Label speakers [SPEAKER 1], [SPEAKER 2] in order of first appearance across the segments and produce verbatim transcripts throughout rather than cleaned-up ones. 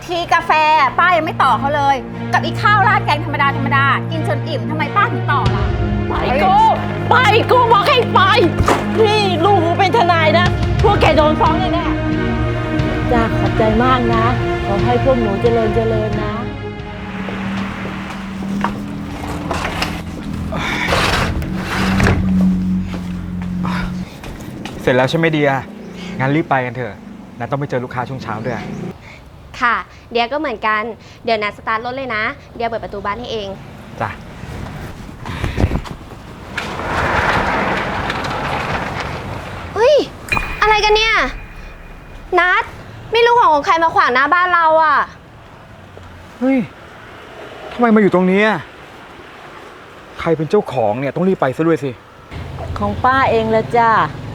[SPEAKER 1] ทีกาแฟป้ายังไม่ต่อเขาเลย กับอีกข้าวราดแกงธรรมดาธรรมดากินจนอิ่มทำไมป้าถึงต่อล่ะ
[SPEAKER 2] ไปกูไปกูบอกให้ไปนี่ลูกกูเป็นทนายนะพวกแกโดนฟ้องแน่ๆจ้าขอบใจมากนะขอให้พวกหนูเจริญเจริญนะ
[SPEAKER 3] เสร็จแล้วใช่ไหมเดียงั้นรีบไปกันเถอะนัทต้องไปเจอลูกค้าช่วงเช้าด้วย
[SPEAKER 4] ค่ะ เดียก็เหมือนกัน เดี๋ยวนัดสตาร์ทรถเลยนะ เดียเปิดประตูบ้านให้เอง
[SPEAKER 3] จ้ะ
[SPEAKER 4] เฮ้ย อะไรกันเนี่ย นัดไม่รู้ของของใครมาขวางหน้าบ้านเราอ่ะ
[SPEAKER 3] เฮ้ยทำไมมาอยู่ตรงนี้อะใครเป็นเจ้าของเนี่ยต้องรีบไปซะด้วยสิ
[SPEAKER 2] ของป้าเองละจ้า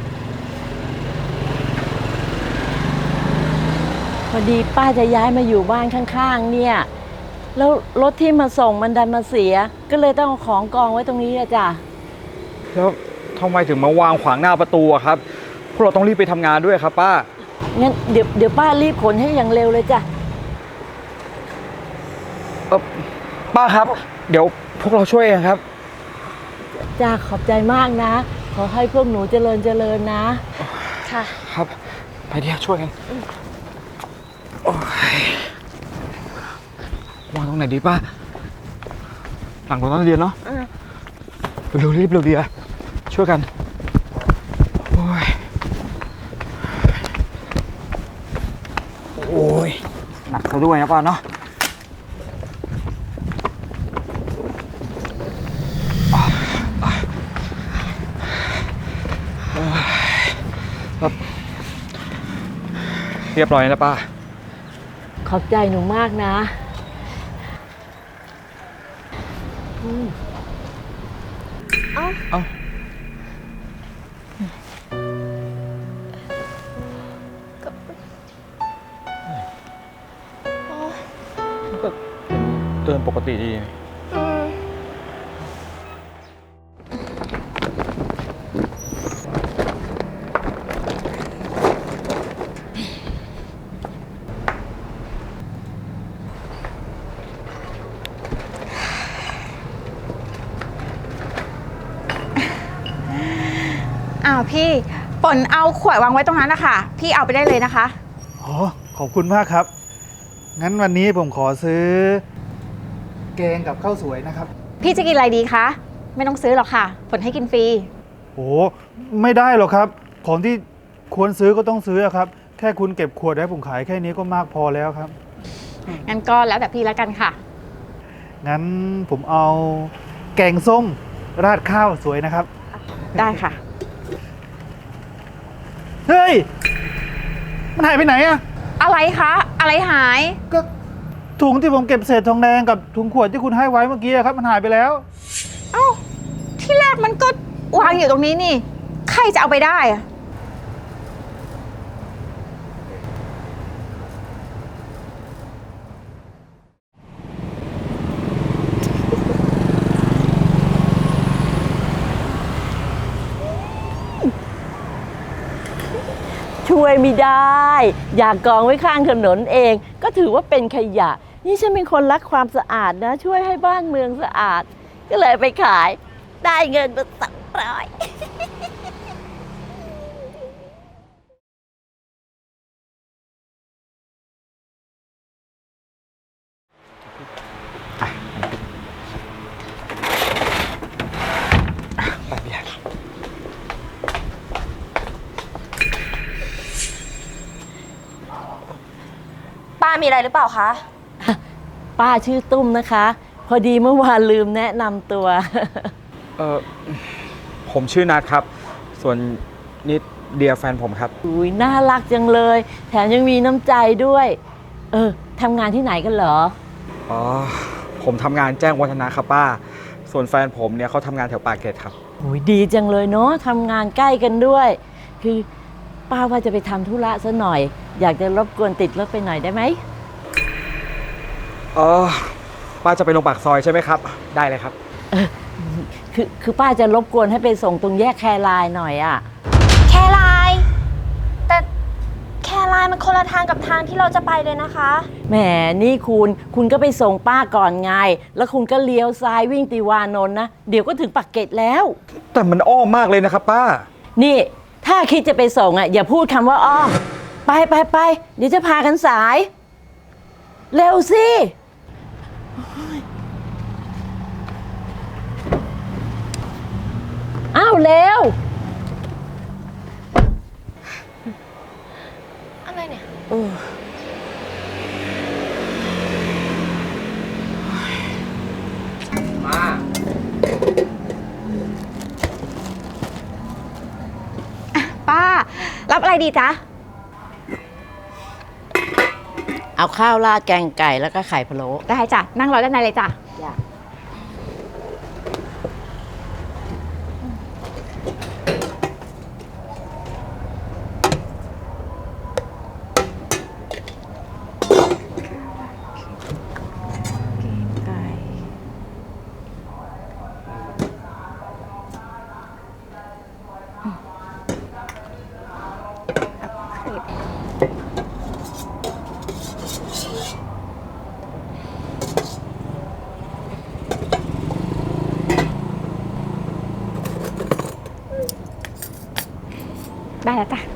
[SPEAKER 2] พอดีป้าจะย้ายมาอยู่บ้านข้างๆเนี่ยแล้วรถที่มาส่งมันดันมาเสียก็เลยต้องเอาของกองไว้ตรงนี้ละจ้ะ
[SPEAKER 3] แล้วทำไมถึงมาวางขวางหน้าประตูอะครับพวกเราต้องรีบไปทำงานด้วยครับป้า
[SPEAKER 2] งั้นเดี๋ยวเดี๋ยวป้ารีบขนให้อย่างเร็วเลยจ้ะ
[SPEAKER 3] เออป้าครับ เดี๋ยวพวกเราช่วยเองครับ
[SPEAKER 2] จ้าขอบใจมากนะ ขอให้พวกหนูเจริญเจริญนะ
[SPEAKER 4] ค่ะ
[SPEAKER 3] ครับไปเดี๋ยวช่วยกันโอ้ยวางตรงไหนดีป้าหลังรถนักเรียนเนาะเร็วๆรีบเร็วดีอะช่วยกันโอ้ยโอ้ยหนักซะด้วยนะป้าเนาะเรียบร้อยแล้วป้า
[SPEAKER 2] ขอบใจหนูมากนะ
[SPEAKER 4] เอ้า
[SPEAKER 3] เอ้าก็เดินปกติดี
[SPEAKER 4] อืม
[SPEAKER 1] อ้าวพี่ฝนเอาขวดวางไว้ตรงนั้นนะคะพี่เอาไปได้เลยนะคะ
[SPEAKER 5] อ๋อขอบคุณมากครับ งั้นวันนี้ผมขอซื้อ แกงกับข้าวสวยนะครับ
[SPEAKER 1] พี่จะกินอะไรดีคะไม่ต้องซื้อหรอกค่ะฝนให้กินฟรี
[SPEAKER 5] โอ้ไม่ได้หรอกครับ ของที่ควรซื้อก็ต้องซื้อครับ แค่คุณเก็บขวดให้ผมขายแค่นี้ก็มากพอแล้วครับ
[SPEAKER 1] งั้นก็แล้วแต่พี่แล้วกันค่ะ
[SPEAKER 5] งั้นผมเอาแกงส้มราดข้าวสวยนะครับ
[SPEAKER 1] ได้ค่ะ
[SPEAKER 5] เฮ้ย มันหายไปไหนอะ
[SPEAKER 1] อะไรคะอะไรหาย
[SPEAKER 5] ก็ถุงที่ผมเก็บเศษทองแดงกับถุงขวดที่คุณให้ไว้เมื่อกี้ครับมันหายไปแล้ว
[SPEAKER 1] เอ้าที่แรกมันก็วางอยู่ตรงนี้นี่ ใครจะเอาไปได้อะ
[SPEAKER 2] ช่วยไม่ได้ อยากกองไว้ข้างถนนเอง ก็ถือว่าเป็นขยะ นี่ฉันเป็นคนรักความสะอาดนะ ช่วยให้บ้านเมืองสะอาด ก็เลยไปขาย ได้เงินมาสองร้อย
[SPEAKER 3] ไปเบียร์
[SPEAKER 4] ป้ามีอะไรหรือเปล่าคะ
[SPEAKER 2] ป้าชื่อตุ้มนะคะ พอดีเมื่อวานลืมแนะนำตัว
[SPEAKER 3] เออผมชื่อนัทครับ ส่วนนี่เดียแฟนผมครับ
[SPEAKER 2] อุ้ยน่ารักจังเลย แถมยังมีน้ำใจด้วย เออทำงานที่ไหนกันเหรอ
[SPEAKER 3] อ๋อ ผมทำงานแจ้งวัฒนะครับป้า ส่วนแฟนผมเนี่ยเขาทำงานแถวปากเกร็ดครับ
[SPEAKER 2] โอ้ยดีจังเลยเนาะทำงานใกล้กันด้วย คือป้าว่าจะไปทำธุระซะหน่อย อยากจะรบกวนติดรถไปหน่อยได้ไหม
[SPEAKER 3] อ๋อ ป้าจะไปลงปากซอยใช่ไหมครับ ได้เลยครับ
[SPEAKER 2] คือคือป้าจะรบกวนให้ไปส่งตรงแยกแครายหน่อยอะ่ะ
[SPEAKER 4] แค่ไลน์แต่แค่ไลายมันคนละทางกับทางที่เราจะไปเลยนะคะ
[SPEAKER 2] แหมนี่คุณคุณก็ไปส่งป้าก่อนไง แล้วคุณก็เลี้ยวซ้ายวิ่งติวานนท์นะ เดี๋ยวก็ถึงปักเกร็ดแล้ว
[SPEAKER 3] แต่มันอ้อมมากเลยนะครับป้า
[SPEAKER 2] นี่ถ้าคิดจะไปส่งอ่ะอย่าพูดคำว่าอ้อม ไปไปไปเดี๋ยวจะพากันสาย เร็วสิอ้าวเร็ว
[SPEAKER 4] อะไรเนี่ย
[SPEAKER 1] ป้า รับอะไรดีจ๊ะ
[SPEAKER 2] เอาข้าวราดแกงไก่แล้วก็ไข่พะโล้
[SPEAKER 1] ได้จ้ะ นั่งรอด้านในเลยจ้ะ ได้แล้วจ้ะ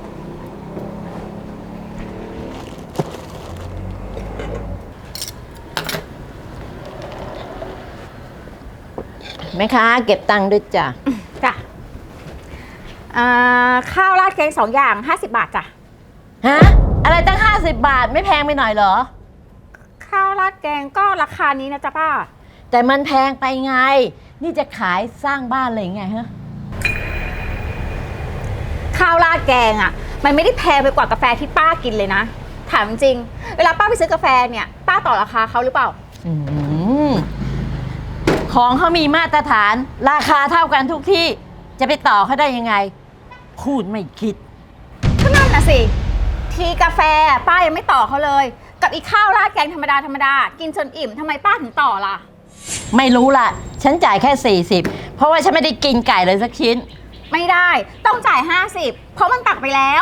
[SPEAKER 2] แม่ค้าเก็บตังค์ด้วยจ้ะ
[SPEAKER 1] จ้ะอ่าข้าวราดแกงสองอย่างห้าสิบบาทจ้ะ
[SPEAKER 2] ฮะ อะไรตั้งห้าสิบบาทไม่แพงไปหน่อยเหรอ
[SPEAKER 1] ข้าวราดแกงก็ราคานี้นะจ๊ะป้า
[SPEAKER 2] แต่มันแพงไปไง นี่จะขายสร้างบ้านเลยไงฮะ
[SPEAKER 1] ข้าวราดแกงอ่ะ มันไม่ได้แพงไปกว่ากาแฟที่ป้ากินเลยนะ ถามจริง เวลาป้าไปซื้อกาแฟเนี่ย ป้าต่อราคาเขาหรือเปล่า
[SPEAKER 2] อืมของเขามีมาตรฐาน ราคาเท่ากันทุกที่จะไปต่อเขาได้ยังไง พูดไม่คิด
[SPEAKER 1] ก็นั่นน่ะสิ ทีกาแฟป้ายังไม่ต่อเขาเลย กับอีกข้าวราดแกงธรรมดาธรรมดา กินจนอิ่มทำไมป้าถึงต่อล่ะ
[SPEAKER 2] ไม่รู้ล่ะ ฉันจ่ายแค่สี่สิบเพราะว่าฉันไม่ได้กินไก่เลยสักชิ้น
[SPEAKER 1] ไม่ได้ ต้องจ่ายห้าสิบเพราะมันตักไปแล้ว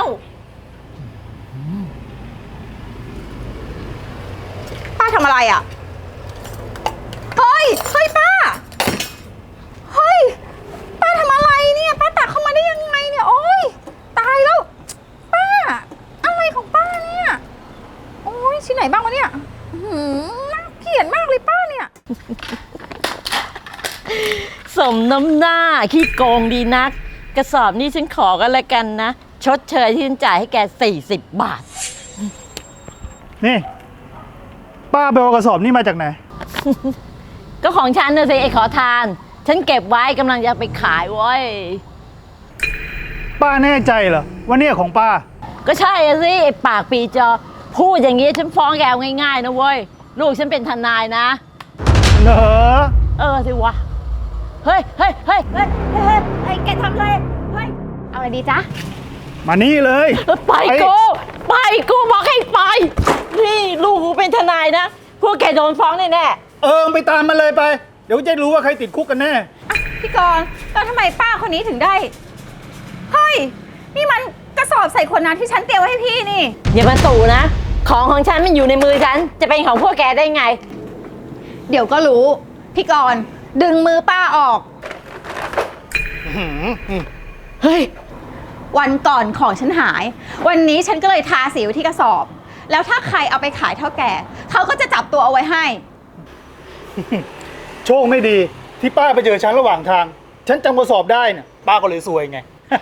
[SPEAKER 1] ป้าทำอะไรอ่ะ เฮ้ย เฮ้ยป้า เฮ้ย ป้าทำอะไรเนี่ย ป้าตักเข้ามาได้ยังไงเนี่ย โอ๊ย ตายแล้ว ป้า อะไรของป้าเนี่ย โอ๊ย ชิ้นไหนบ้างวะเนี่ยอื้อหือน่าเกลียดมากเลยป้าเนี่ย
[SPEAKER 2] สมน้ำหน้าขี้โกงดีนัก กระสอบนี้ฉันขอกันแล้วกันนะ ชดเชยที่ฉันจ่ายให้แกสี่สิบบาท
[SPEAKER 5] นี่ ป้าไปเอากระสอบนี่มาจากไหน
[SPEAKER 2] ก็ของฉันน่ะสิไอ้ขอทาน ฉันเก็บไว้กำลังจะไปขายเว้ย
[SPEAKER 5] ป้าแน่ใจเหรอว่าเนี่ยของป้า
[SPEAKER 2] ก็ใช่อะสิไอ้ปากปีจอ พูดอย่างนี้ฉันฟ้องแกเอาง่ายๆนะเว้ย ลูกฉันเป็นทนายนะ
[SPEAKER 5] เหรอ
[SPEAKER 2] เออสิวะ เฮ้ยเฮ้ยเฮ้ยเฮ้ย
[SPEAKER 1] เฮ้ยเฮ้ยแกทำอะไรเฮ้ย เอาอะไรดีจ๊ะ
[SPEAKER 5] มานี่เลย
[SPEAKER 2] ไปกูไปกูบอกให้ไป นี่ลูกกูเป็นทนายนะ พวกแกโดนฟ้องแน่
[SPEAKER 5] เออไปตามมันเลยไป เดี๋ยวจะรู้ว่าใครติดคุกกันแน่
[SPEAKER 1] อ่ะพี่กรณ์แล้วทำไมป้าคนนี้ถึงได้ เฮ้ย นี่มันกระสอบใส่ขวดน้ำที่ฉันเตรียมไว้ให้พี่นี่
[SPEAKER 2] ๆอย่ามาตู่นะ ของของฉันมันอยู่ในมือฉัน จะเป็นของพวกแกได้ไง
[SPEAKER 1] เดี๋ยวก็รู้ พี่กรณ์ดึงมือป้าออก
[SPEAKER 2] เฮ้ย
[SPEAKER 1] วันก่อนของฉันหาย วันนี้ฉันก็เลยทาสีไว้ที่กระสอบ แล้วถ้าใครเอาไปขายเท่าแก่เขาก็จะจับตัวเอาไว้ให้
[SPEAKER 5] โชคไม่ดีที่ป้าไปเจอฉันระหว่างทาง ฉันจำกระสอบได้เนี่ยป้าก็เลยซวยไง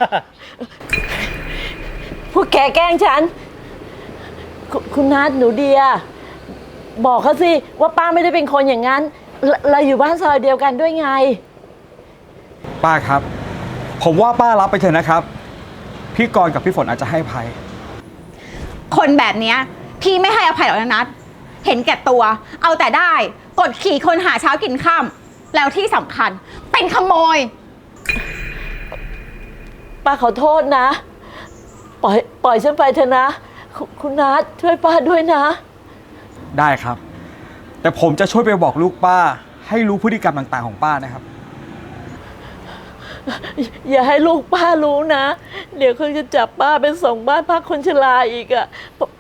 [SPEAKER 2] พวกแกแกล้งฉันคุคุณนัทหนูเดีย บอกเขาสิว่าป้าไม่ได้เป็นคนอย่างนั้นเราเราอยู่บ้านซอยเดียวกันด้วยไง
[SPEAKER 3] ป้าครับ ผมว่าป้ารับไปเถอะนะครับ พี่กรณ์กับพี่ฝนอาจจะให้อภัย
[SPEAKER 1] คนแบบเนี้ยพี่ไม่ให้อภัยหรอกนะนัทเห็นแก่ตัว เอาแต่ได้ กดขี่คนหาเช้ากินค่ำแล้วที่สำคัญ เป็นขโมย
[SPEAKER 2] ป้าขอโทษนะ ปล่อยปล่อยฉันไปเถอะนะคุคุณนัทช่วยป้าด้วยนะ
[SPEAKER 3] ได้ครับ แต่ผมจะช่วยไปบอกลูกป้า ให้รู้พฤติกรรมต่างๆของป้านะครับ
[SPEAKER 2] อย่าให้ลูกป้ารู้นะ เดี๋ยวเขาจะจับป้าไปส่งบ้านพักคนชราอีกอะ่ะ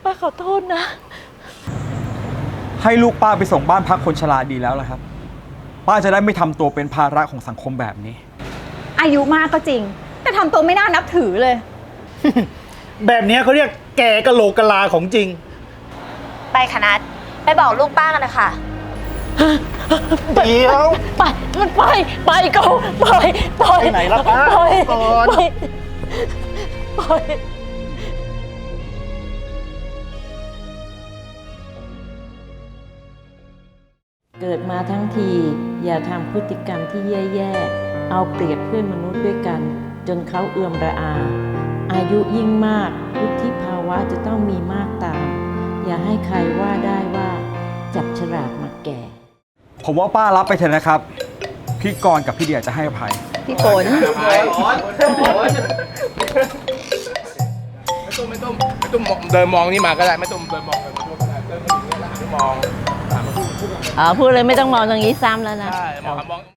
[SPEAKER 2] ป้าขอโทษนะ
[SPEAKER 3] ให้ลูกป้าไปส่งบ้านพักคนชราดีแล้วล่ะครับ ป้าจะได้ไม่ทำตัวเป็นภาระของสังคมแบบนี้
[SPEAKER 1] อายุมากก็จริง แต่ทำตัวไม่น่านับถือเลย
[SPEAKER 5] แบบเนี้ยเขาเรียกแก่กะโหลกกะลาของจริง
[SPEAKER 4] ไปค่ะนัดไปบอกลูกป้ากันนะคะ
[SPEAKER 5] เดี๋ยว
[SPEAKER 2] ไปไปไปก็ไปไป
[SPEAKER 5] ไปไหนล่ะป้า
[SPEAKER 2] ไป
[SPEAKER 5] ก่อน
[SPEAKER 2] ไปไป เกิดมาทั้งทีอย่าทำพฤติกรรมที่แย่ๆ เอาเปรียบเพื่อนมนุษย์ด้วยกัน จนเขาเอื่อมระอา อายุยิ่งมากวุฒิภาวะจะต้องมีมากตาม อย่าให้ใครว่าได้ว่าจับฉลากมาแก่
[SPEAKER 3] ผมว่าป้ารับไปเถอะนะครับ พี่กรณ์กับพี่เดียจะให้อภัย
[SPEAKER 1] พี่ฝน
[SPEAKER 6] ไม่ต้องไม่ต้องไม่ต้องมองเดินมองนี่มาก็ได้ไม่ต้องเดินมองเดินมาก็ได้เดินมาอย่างนี้ยแล้วหันไปมอง
[SPEAKER 2] อ๋อ พูดเลยไม่ต้องมองตรงนี้ซ้ำแล้วนะ
[SPEAKER 6] ใช่มองมอง